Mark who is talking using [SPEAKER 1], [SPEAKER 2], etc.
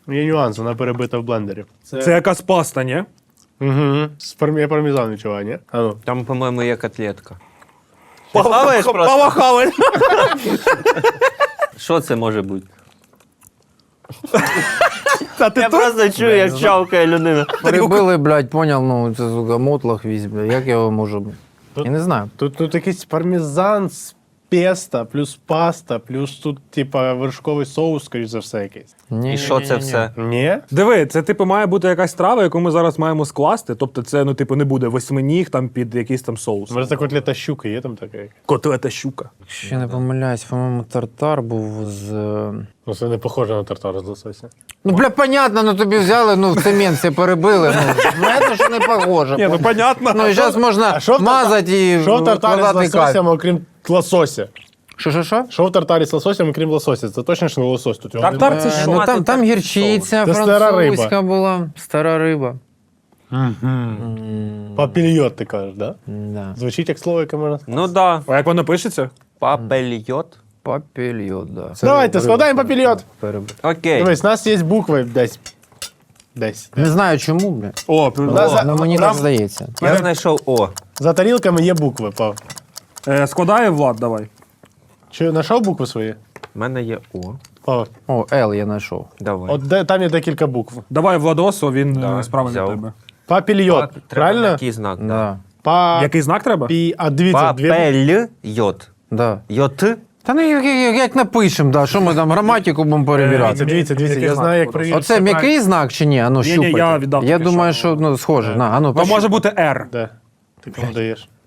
[SPEAKER 1] Є нюанс, вона перебита в блендері.
[SPEAKER 2] Це якась паста, ні?
[SPEAKER 1] Угу. Я пармезан відчуваю, ні? А ну.
[SPEAKER 3] Там, по-моєму, є котлетка. Ти хаваєш просто?
[SPEAKER 2] Пава хаває.
[SPEAKER 3] Що це може бути?
[SPEAKER 2] Та ти
[SPEAKER 3] Я просто чую, як чавкає людина.
[SPEAKER 4] Перебили, блядь, поняв, ну, це, сука, мотлах візь, блядь, як я його можу... Я не знаю.
[SPEAKER 1] Тут якийсь пармезан з песто, плюс паста, плюс тут, типа, вершковий соус, скоріш за все, якийсь.
[SPEAKER 4] Ні,
[SPEAKER 3] І що це все?
[SPEAKER 1] Ні?
[SPEAKER 2] Диви, це типу має бути якась страва, яку ми зараз маємо скласти. Тобто це, ну, типу, не буде восьминіг там під якийсь там соус.
[SPEAKER 1] Може, це котлета щука є там така?
[SPEAKER 2] Котлета щука.
[SPEAKER 4] Якщо я не помиляюсь, по-моєму, тартар був з...
[SPEAKER 1] Ну, це не похоже на тартар з лосося.
[SPEAKER 4] Ну, бля, понятно, ну тобі взяли, ну, в цемент все перебили, ну, це що не похоже.
[SPEAKER 2] Ні, ну, понятно.
[SPEAKER 4] Ну, і зараз можна мазати і
[SPEAKER 1] Що в тартарі з
[SPEAKER 4] вкладати кайф.
[SPEAKER 1] лососем, окрім лосося?
[SPEAKER 4] Що?
[SPEAKER 1] Що в тартарі з лососем, окрім лосося? Це точно ж не лосось тут. його
[SPEAKER 2] Тартар
[SPEAKER 1] немає.
[SPEAKER 2] це що?
[SPEAKER 4] Ну, там гірчиця
[SPEAKER 1] Це стара
[SPEAKER 4] французька
[SPEAKER 1] риба.
[SPEAKER 4] була, стара риба.
[SPEAKER 1] Папільйот, ти кажеш, да?
[SPEAKER 4] Да.
[SPEAKER 1] Звучить як слово, яке можна сказати.
[SPEAKER 3] Ну да,
[SPEAKER 2] А як воно пишеться?
[SPEAKER 3] папельйот.
[SPEAKER 4] Папільйот, да.
[SPEAKER 1] Давайте, складаємо папільйот.
[SPEAKER 3] Окей.
[SPEAKER 1] Дивись, у нас є букви десь. Десь.
[SPEAKER 4] Не знаю чому, бля.
[SPEAKER 2] О,
[SPEAKER 4] Ну, мені так здається.
[SPEAKER 3] Я знайшов О.
[SPEAKER 1] За тарілками є букви, Пав.
[SPEAKER 2] складає Влад, давай.
[SPEAKER 1] Чи знайшов букви свої?
[SPEAKER 3] У мене є О.
[SPEAKER 1] Пав.
[SPEAKER 4] О, Л я знайшов.
[SPEAKER 3] Давай.
[SPEAKER 1] От там є декілька букв.
[SPEAKER 2] Давай Владосу, він
[SPEAKER 3] Да,
[SPEAKER 2] справить від
[SPEAKER 3] взяв.
[SPEAKER 2] тебе.
[SPEAKER 1] Папільйот,
[SPEAKER 3] Треба
[SPEAKER 1] правильно?
[SPEAKER 3] такий знак, да.
[SPEAKER 4] Да.
[SPEAKER 2] Який знак треба?
[SPEAKER 1] А дивіться, дві...
[SPEAKER 3] Папельйот.
[SPEAKER 4] Да.
[SPEAKER 3] Йот.
[SPEAKER 4] Та ну як напишемо, да, що ми там граматику будемо перевіряти.
[SPEAKER 1] Дивіться,
[SPEAKER 2] Який
[SPEAKER 1] я
[SPEAKER 2] знак
[SPEAKER 1] знаю, як
[SPEAKER 2] буде?
[SPEAKER 1] перевірити.
[SPEAKER 4] Оце м'який знак чи ні? А ну,
[SPEAKER 2] Ні-ні,
[SPEAKER 4] щупайте.
[SPEAKER 2] я віддав
[SPEAKER 4] Я
[SPEAKER 2] тільки
[SPEAKER 4] думаю,
[SPEAKER 2] що.
[SPEAKER 4] що ну, схоже. На, а ну,
[SPEAKER 2] То може бути R.
[SPEAKER 1] Де? Ти кому даєш?